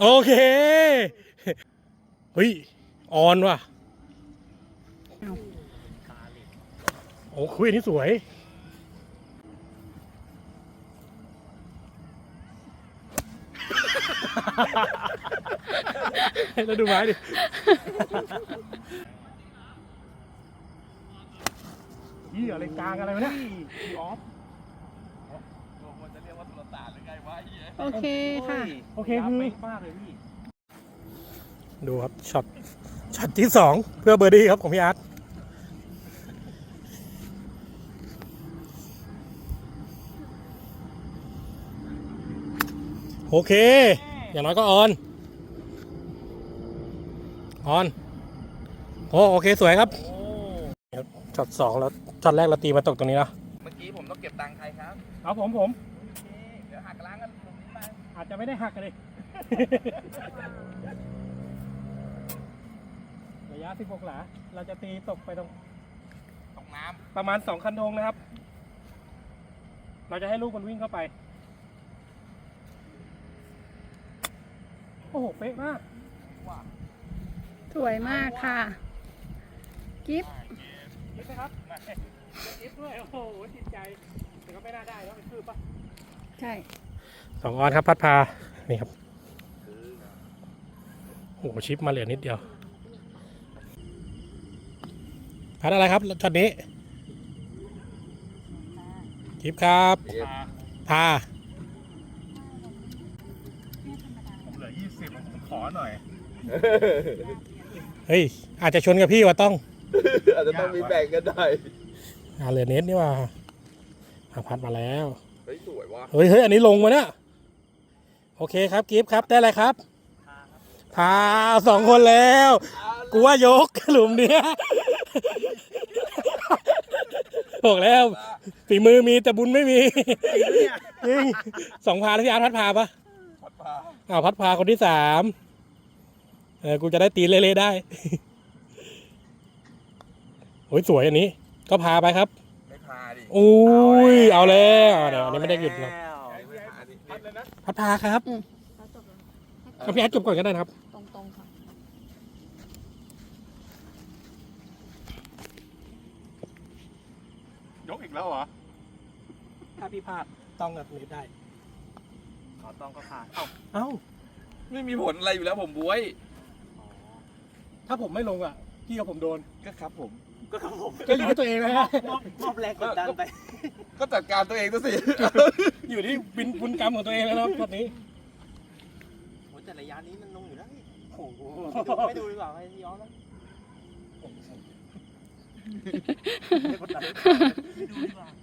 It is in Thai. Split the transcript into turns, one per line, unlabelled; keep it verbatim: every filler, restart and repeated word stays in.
โอเคเฮ้ยออนว่ะโอ้คุยอันนี้สวยแล้วดูไม้ดิยี่อะไรกลางอะไรวะเนี่ยออฟมันจะเรียกว่าตุลตาหรือไงวะ
โอเคค่ะ
โอเคคือมากเลยพี่ดูครับช็อตช็อตที่สองเพื่อเบอร์ดี้ครับของพี่อาร์ตโอเคอย่างน้อยก็ออนออนโอ้โอเคสวยครับช็อตสองแล้วช็อตแรกเราตีมาตกตรงนี้นะ
เมื่อกี้ผมต้องเก็บตังค์ใครครับ
เอาผมผม
เดี๋ยวหักล้างกันตรงนี้ไป
อาจจะไม่ได้หักกันเลยระยะสิบหกหลาเราจะตีตกไปตรง
ตรงน้ำ
ประมาณสองคันธงนะครับเราจะให้ลูกมันวิ่งเข้าไปโอ้โหเป๊ะมาก
สวยมากค่ะกิฟต์
กิฟต์ไหมครับกิฟต์ด้วยโอ้โหจิตใจแต่ก็ไม่น่าได้แล้วเป็นคืบปะ
ใช่
สองออนครับพัดพานี่ครับโอ้โหชิปมาเหลือนิดเดียวพัดอะไรครับช็อตนี้กิฟต์ครับพา
ผมเหลือยี่สิบผมขอหน่อย
เฮ้ยอาจจะชนกับพี่ว่าต้อง
อาจจะต้องมีแบ่งกันได้
อ่าเหลือเน็ตนี่ว่าพัดมาแล้ว
เฮ้ยสวยว่ะ
เฮ้ยเฮ้ยอันนี้ลงมาเนี่ยโอเคครับกิฟต์ครับได้อะไรครับพาสองคนแล้วกูว่ายกหลุมเนี้ยบอกแล้วฝีมือมีแต่บุญไม่มีจริงสองพาแล้วพี่อาร์ตพัดพาปะ
พัดพา
อ้าวพัดพาคนที่สามเออกูจะได้ตีเล่ๆได้โอ้ยสวยอันนี้ก็พาไปครับ
ไม่พาดิ
อุ้ยเอาแล้วเดี๋ยวอันนี้ไม่ได้หยุดหรอกพัดพาครับเอาพี่อาร์ตจบก่อนก็ได้ครับ
ตรงๆค่ะ
ยกอีกแล้วเหรอ
ถ้าพี่พลาดต้องกับนี้ได้
ขอต้องก็พาเอ้า
เอ้า
ไม่มีผลอะไรอยู่แล้วผมบวย
ถ้าผมไม่ลงอ่ะพี่กับผมโดน
ก็ครับผม
ก็ครับผมก็รีบตัวเองนะฮะ
มอบแรงกดดันไป
ก็จัดการตัวเองตัวสิ
อยู่ที่บินบุญกรรมของตัวเองแล้วนะตอนนี้
โหแต่ระยะนี้มันลงอยู่แล้วนี่โอ้โหไม่ดูดีกว่าไม่ย้อนแล้วไม่กดดันไม่ดูดีกว่า